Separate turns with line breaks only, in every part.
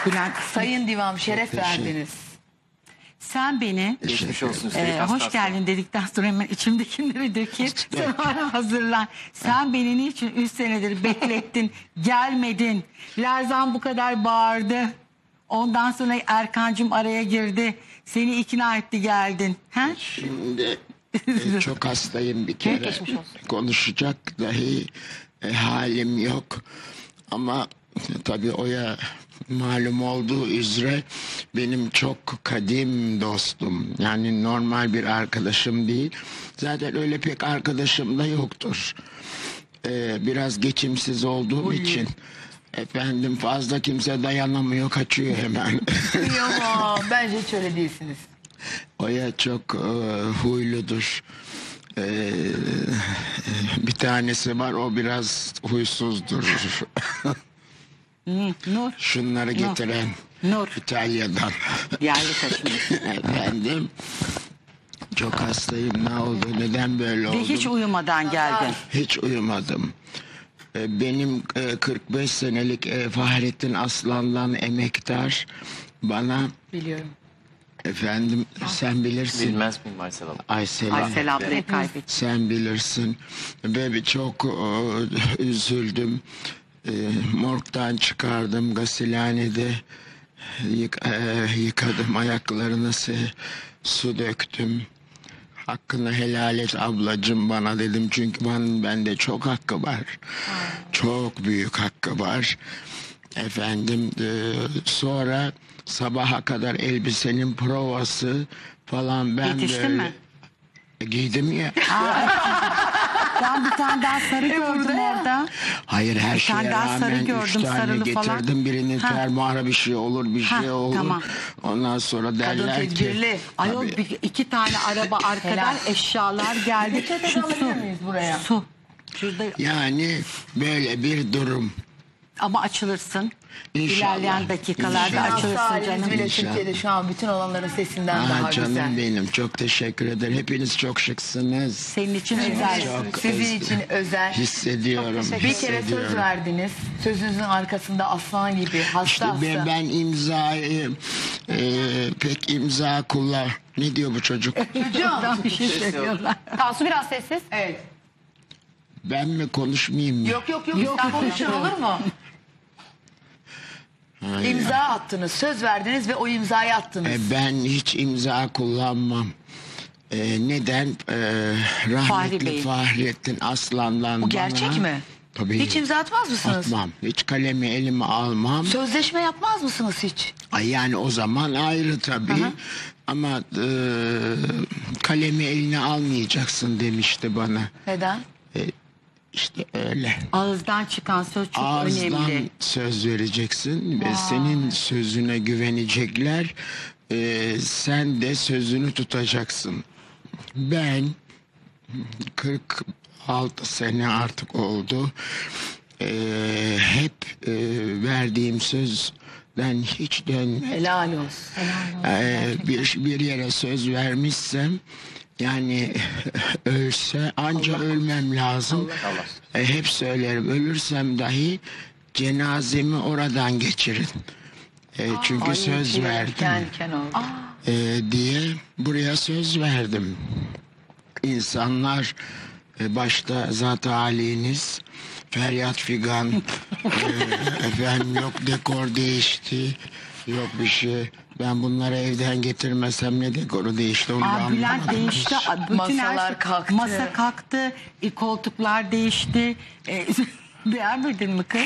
Bülent,
Sayın Divam şeref verdiniz.
sen beni
Geçmiş olsun üstelik
hoş
hastası.
geldin dedikten sonra hemen içimdekileri dökeyim. Sen bana hazırlan. Sen beni niçin 3 senedir beklettin, gelmedin. Lerzan bu kadar bağırdı. Ondan sonra Erkancığım araya girdi. Seni ikna etti, geldin. He?
Şimdi çok hastayım bir kere.
Geçmiş olsun.
Konuşacak dahi halim yok. Ama tabii Oya malum olduğu üzere benim çok kadim dostum. Yani normal bir arkadaşım değil. Zaten öyle pek arkadaşım da yoktur. Biraz geçimsiz olduğum için efendim fazla kimse dayanamıyor, kaçıyor hemen.
Ama bence hiç öyle değilsiniz.
Oya çok huyludur. Bir tanesi var, o biraz huysuzdur.
Nur.
Şunları getiren
Nur.
İtalya'dan.
Yerli taşınmış.
Efendim çok hastayım, ne oldu, neden böyle oldu?
Ve hiç uyumadan geldin.
Hiç uyumadım. Benim 45 senelik Fahrettin Aslan'dan emektar bana
Biliyorum.
efendim sen bilirsin.
Bilmez miyim Aysel Hanım?
Aysel ablayı kaybettin.
Sen bilirsin. Ve çok üzüldüm. Morgdan çıkardım, gasilhanede yıkadım ayaklarını, su döktüm. Hakkını helal et ablacığım bana dedim, çünkü bende çok hakkı var. Çok büyük hakkı var. Efendim sonra sabaha kadar elbisenin provası falan ben
Yetiştin
böyle
mi?
giydim ya.
Ben bir tane daha sarı gördüm orada.
Hayır, her
Bir tane
şeye
daha sarı
rağmen
gördüm,
3 tane
sarılı
getirdim.
falan.
Birinin
Ha.
fermuara bir şey olur, bir
Ha,
şey olur.
tamam.
Ondan sonra derler ki...
tedbirli.
Ayol
Tabii.
2 tane araba arkadan
Helal.
eşyalar geldi.
Peçete alabilir miyiz buraya?
Su. Şurada
Yani böyle bir durum.
ama açılırsın.
İnşallah.
İlerleyen dakikalarda
İnşallah.
açılırsın
Haliniz
canım.
bile
İnşallah.
Türkiye'de şu an bütün olanların sesinden daha
Canım
güzel.
benim, çok teşekkür ederim. Hepiniz çok şıksınız.
Senin için özel.
Çok
Sizin için özel.
hissediyorum.
Bir kere söz
hissediyorum.
verdiniz. Sözünüzün arkasında aslan gibi hasta
İşte
hasta.
ben imzayı pek imza kullan. Ne diyor bu çocuk?
Oradan bir şey söylüyorlar.
Tansu biraz sessiz.
Evet.
Ben mi konuşmayayım mı?
Yok sen konuşun olur mu?
Hayır.
İmza attınız, söz verdiniz ve o imzayı attınız.
Ben hiç imza kullanmam. Neden?
Fahri
Rahmetli
Bey.
Fahrettin Aslan'dan
Bu gerçek
bana...
mi?
Tabii.
Hiç imza atmaz mısınız?
Atmam. Hiç kalemi elime almam.
Sözleşme yapmaz mısınız hiç?
Ay yani o zaman ayrı tabii. Ama kalemi eline almayacaksın demişti bana.
Neden?
İşte öyle.
Ağızdan çıkan söz çok
Ağızdan
önemli.
söz vereceksin ve senin sözüne güvenecekler. Sen de sözünü tutacaksın. Ben 46 sene artık oldu. Hep verdiğim sözden hiç dönmedim.
Helal olsun.
Bir yere söz vermişsem, yani ölse anca ölmem lazım. Hep söylerim, ölürsem dahi cenazemi oradan geçirin. Çünkü söz verdim
Diken oldu.
diye buraya söz verdim. İnsanlar başta zat haliniz, feryat figan, efendim yok dekor değişti, yok bir şey. Ben bunları evden getirmesem ne dekoru değişti, onu da
Bülent
anlamadım.
değişti. Bütün
Masalar kalktı.
Masa kalktı. Koltuklar değişti. Beğenmedin mi kız?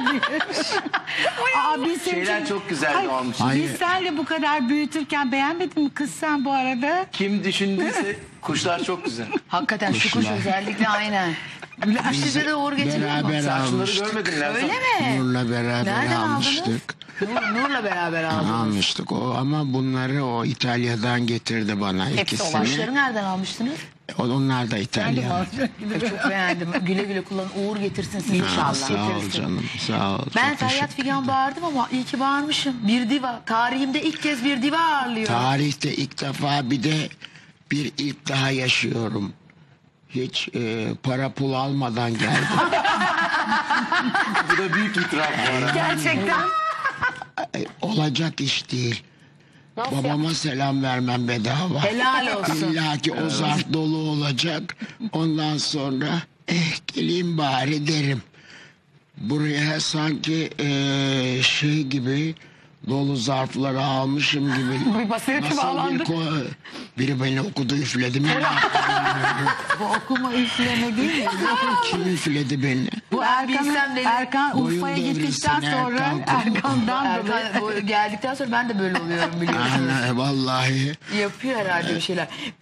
Biz
Şeyler çok güzeldi olmuş.
Biz senle bu kadar büyütürken beğenmedin mi kız sen bu arada?
Kim düşündüyse kuşlar çok güzel.
Hakikaten şu kuş
Kuşlar. özellikle
aynen. Size de uğur getiriyor mu?
Beraber
Sen şunları
almıştık.
görmedin Lerzan.
Öyle mi?
Nur'la beraber
Nereden aldınız?
almıştık.
Nur'la beraber aldınız.
Almıştık o, ama bunları o İtalya'dan getirdi bana ikisini.
Kuşları nereden almıştınız?
Onlar da İtalyan.
Çok beğendim. Güle güle kullanın. Uğur getirsin size
Ha,
inşallah.
sağ ol
Getirsin.
canım, sağ ol.
Ben
Çok
Feryat
teşekkür
Figan bağırdım ama iyi ki bağırmışım. Bir diva. Tarihimde ilk kez bir diva ağırlıyorum.
Tarihte ilk defa bir de bir ilk daha yaşıyorum. Hiç para pul almadan geldim.
Bu da büyük itiraf bu arada.
Gerçekten.
olacak iş değil.
Nasıl
Babama selam vermem bedava.
Helal olsun.
İlla ki o zarf dolu olacak. Ondan sonra geleyim bari derim. Buraya sanki şey gibi dolu zarfları almışım gibi.
Bir basireti bağlandı.
Biri beni okudu üfledi mi?
Bu okuma üfleme değil mi?
Kim üfledi beni?
Bu
Ben bilsem
Erkan,
dedim.
Erkan
Boyun
Urfa'ya gittikten
devrilsin
sonra
Erkan.
Erkan'dan dolayı.
Erkan geldikten sonra ben de böyle oluyorum biliyorsunuz.
Vallahi.
Yapıyor herhalde bir şeyler.